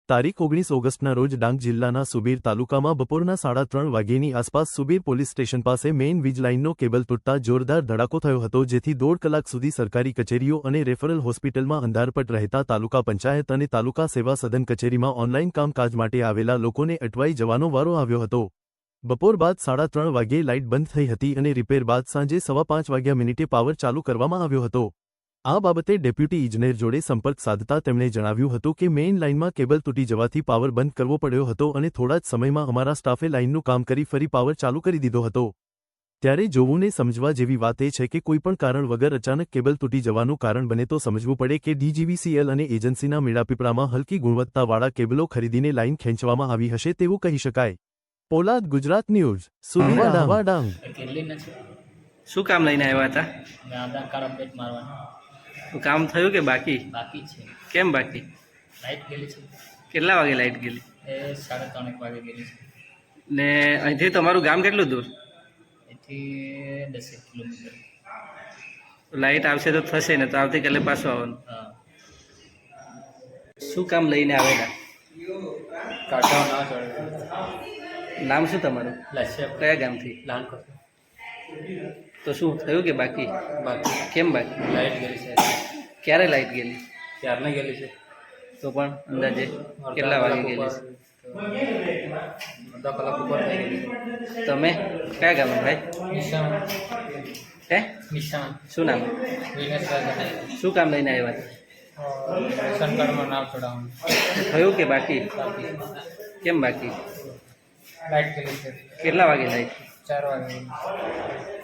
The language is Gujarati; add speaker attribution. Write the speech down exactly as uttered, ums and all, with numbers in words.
Speaker 1: તારીખ ઓગણીસ ઓગસ્ટના રોજ ડાંગ જિલ્લાના સુબીર તાલુકામાં બપોરના સાડા ત્રણ વાગ્યેની આસપાસ સુબીર પોલીસ સ્ટેશન પાસે મેઇન વીજ લાઇનનો કેબલ તૂટતા જોરદાર ધડાકો થયો હતો, જેથી દોઢ કલાક સુધી સરકારી કચેરીઓ અને રેફરલ હોસ્પિટલમાં અંધારપટ રહેતા તાલુકા પંચાયત અને તાલુકા સેવા સદન કચેરીમાં ઓનલાઇન કામકાજ માટે આવેલા લોકોને અટવાઈ જવાનો વારો આવ્યો હતો। બપોર બાદ સાડા ત્રણ વાગ્યે લાઇટ બંધ થઈ હતી અને રિપેર બાદ સાંજે સવા પાંચ વાગ્યા મિનિટે પાવર ચાલુ કરવામાં આવ્યો હતો। આ બાબતે ડેપ્યુટી ઇજનેર જોડે સંપર્ક સાધતા તેમણે જણાવ્યું હતું કે મેઇન લાઇનમાં કેબલ તૂટી જવાથી પાવર બંધ કરવો પડ્યો હતો અને થોડા જ સમયમાં અમારા સ્ટાફે લાઇનનું કામ કરી ફરી પાવર ચાલુ કરી દીધો હતો। ત્યારે જોવુંને સમજવા જેવી વાત એ છે કે કોઈપણ કારણ વગર અચાનક કેબલ તૂટી જવાનું કારણ બને તો સમજવું પડે કે ડીજીવીસીએલ અને એજન્સીના મેળાપીપળામાં હલકી ગુણવત્તાવાળા કેબલો ખરીદીને લાઇન ખેંચવામાં આવી હશે તેવું કહી શકાય। પોલાદ, ગુજરાત ન્યૂઝ, સુબીર ડાંગ।
Speaker 2: શું કામ લઈને આવ્યા હતા?
Speaker 3: આધાર કાર્ડ અપડેટ મારવાનું
Speaker 2: કામ થયું કે બાકી?
Speaker 3: બાકી છે।
Speaker 2: કેમ બાકી?
Speaker 3: લાઇટ ગયેલી છે।
Speaker 2: કેટલા વાગે લાઇટ ગયેલી?
Speaker 3: એ સાડા ત્રણ એક વાગે ગયેલી છે।
Speaker 2: ને અહીંથી તમારું ગામ કેટલું દૂર?
Speaker 3: એથી દસેક કિલોમીટર।
Speaker 2: લાઇટ આવશે તો થશે ને, તો આવતીકાલે પાછું આવવાનું।
Speaker 3: હા,
Speaker 2: શું કામ લઈને આવેલા?
Speaker 3: કાઢવા ના ચડે।
Speaker 2: નામ શું તમારું?
Speaker 3: લસ્ય
Speaker 2: કયા ગામથી?
Speaker 3: લાલ કરતો
Speaker 2: તો શું થયું કે બાકી?
Speaker 3: બાકી
Speaker 2: કેમ બાકી?
Speaker 3: લાઇટ ગયેલી છે।
Speaker 2: ક્યારે લાઇટ ગયેલી?
Speaker 3: ક્યારને ગયેલી છે।
Speaker 2: તો પણ અંદાજે કેટલા વાગે ગયેલી છે?
Speaker 3: અડધા કલાક ઉપર થઈ ગયેલી છે।
Speaker 2: તમે કયા ગામના ભાઈ?
Speaker 3: નિશાન
Speaker 2: હે
Speaker 3: નિશાન
Speaker 2: શું નામ?
Speaker 3: વિનેશભાઈ
Speaker 2: શું કામ લઈને આવ્યા હતા?
Speaker 3: રેશન કાર્ડમાં નામ ચડાવવાનું
Speaker 2: થયું કે બાકી?
Speaker 3: બાકી
Speaker 2: કેમ બાકી?
Speaker 3: લાઇટ ગયેલી છે।
Speaker 2: કેટલા વાગે લાઇટ?
Speaker 3: ચાર વાગે